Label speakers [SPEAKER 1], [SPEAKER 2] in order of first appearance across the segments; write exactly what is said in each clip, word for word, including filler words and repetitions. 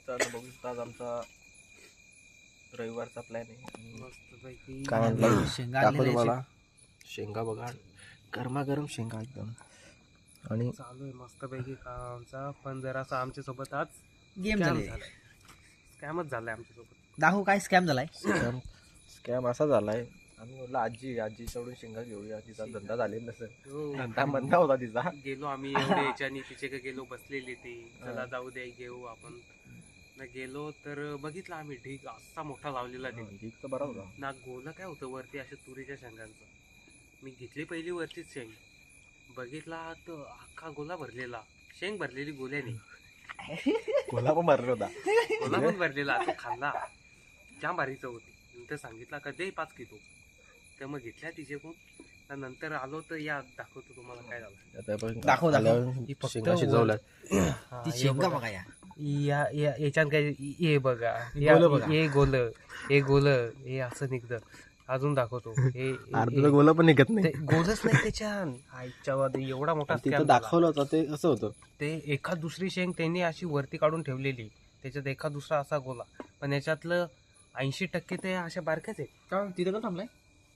[SPEAKER 1] मित्रांनो बघू शकता आज आमचा रविवारचा प्लॅन आहे.
[SPEAKER 2] मस्तपैकी
[SPEAKER 1] काय म्हणलं
[SPEAKER 2] शेंगा
[SPEAKER 1] दाखव
[SPEAKER 2] आणलेल्या
[SPEAKER 1] तुम्हाला. शेंगा बघा, गरमागरम शेंगा एकदम. आणि
[SPEAKER 2] चालू आहे मस्तपैकी काम आमचा. पण जरासा आमच्या सोबत आज
[SPEAKER 3] गेम
[SPEAKER 2] स्कॅम
[SPEAKER 3] झाले.
[SPEAKER 2] झालाय. स्कॅमच झालाय आमच्या सोबत.
[SPEAKER 3] दाखवू काय स्कॅम झालाय.
[SPEAKER 1] स्कॅम स्कॅम असा झालाय. आम्ही म्हटलं आजी आजीकडून शेंगा घेऊया, तिचा धंदा झालेला नसेल,
[SPEAKER 2] हो.
[SPEAKER 1] धंदा मंदा होता तिचा.
[SPEAKER 2] गेलो आम्ही एवढे याच्यानी तिचे का गेलो बसलेले ते चला जाऊ द्या घेऊ आपण. ना गेलो तर बघितलं आम्ही ढीग असा मोठा लावलेला ढीग.
[SPEAKER 1] ठीक तर बरा होता.
[SPEAKER 2] ना गोला काय होतं वरती अशा तुरीच्या शेंगांचं. मी घेतली पहिली वरतीच शेंग, बघितला तर अख्खा गोला भरलेला. शेंग भरलेली गोल्याने,
[SPEAKER 1] कोला पण भरला होता.
[SPEAKER 2] गोला पण भरलेला. तो खाल्ला, जाम भारी चव होती. नंतर सांगितला का दे पाच किलो, तर मग घेतल्या तिच्याकडून. नंतर आलो तर या दाखवतो तुम्हाला काय झालं.
[SPEAKER 1] आता आपण
[SPEAKER 3] दाखव, दाखव.
[SPEAKER 1] आल्यावर शेंगा शिजवल्या.
[SPEAKER 2] हा,
[SPEAKER 3] ती
[SPEAKER 2] हे
[SPEAKER 3] शेंगा
[SPEAKER 2] बघा.
[SPEAKER 3] बघा या.
[SPEAKER 2] या या- याच्यात काय हे बघा,
[SPEAKER 3] गोलं बघा.
[SPEAKER 2] हे गोल हे गोल हे असं निघतं. अजून दाखवतो. हे
[SPEAKER 1] अर्धा गोला पण निघत नाही.
[SPEAKER 2] ते गोलच नाही त्याच्यात. आईच्या वादी एवढा मोठा
[SPEAKER 1] तिथं
[SPEAKER 2] scam झाला.
[SPEAKER 1] दाखवलं होतं ते कसं होतं.
[SPEAKER 2] ते एका दुसरी शेंग त्यांनी अशी वरती काढून ठेवलेली, त्याच्यात एका दुसरा असा गोला. पण याच्यातलं ऐंशी टक्के ते अशा बारक्याच आहेत.
[SPEAKER 3] का तिथे का थांबलाय.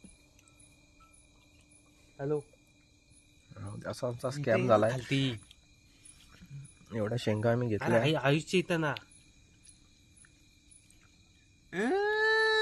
[SPEAKER 2] हॅलो,
[SPEAKER 1] असा आमचा स्कॅम झालाय.
[SPEAKER 2] खालती.
[SPEAKER 1] एवढ्या शेंगा आम्ही
[SPEAKER 2] अरे
[SPEAKER 1] घेतल्या.
[SPEAKER 2] आई आयुष्य इथं ना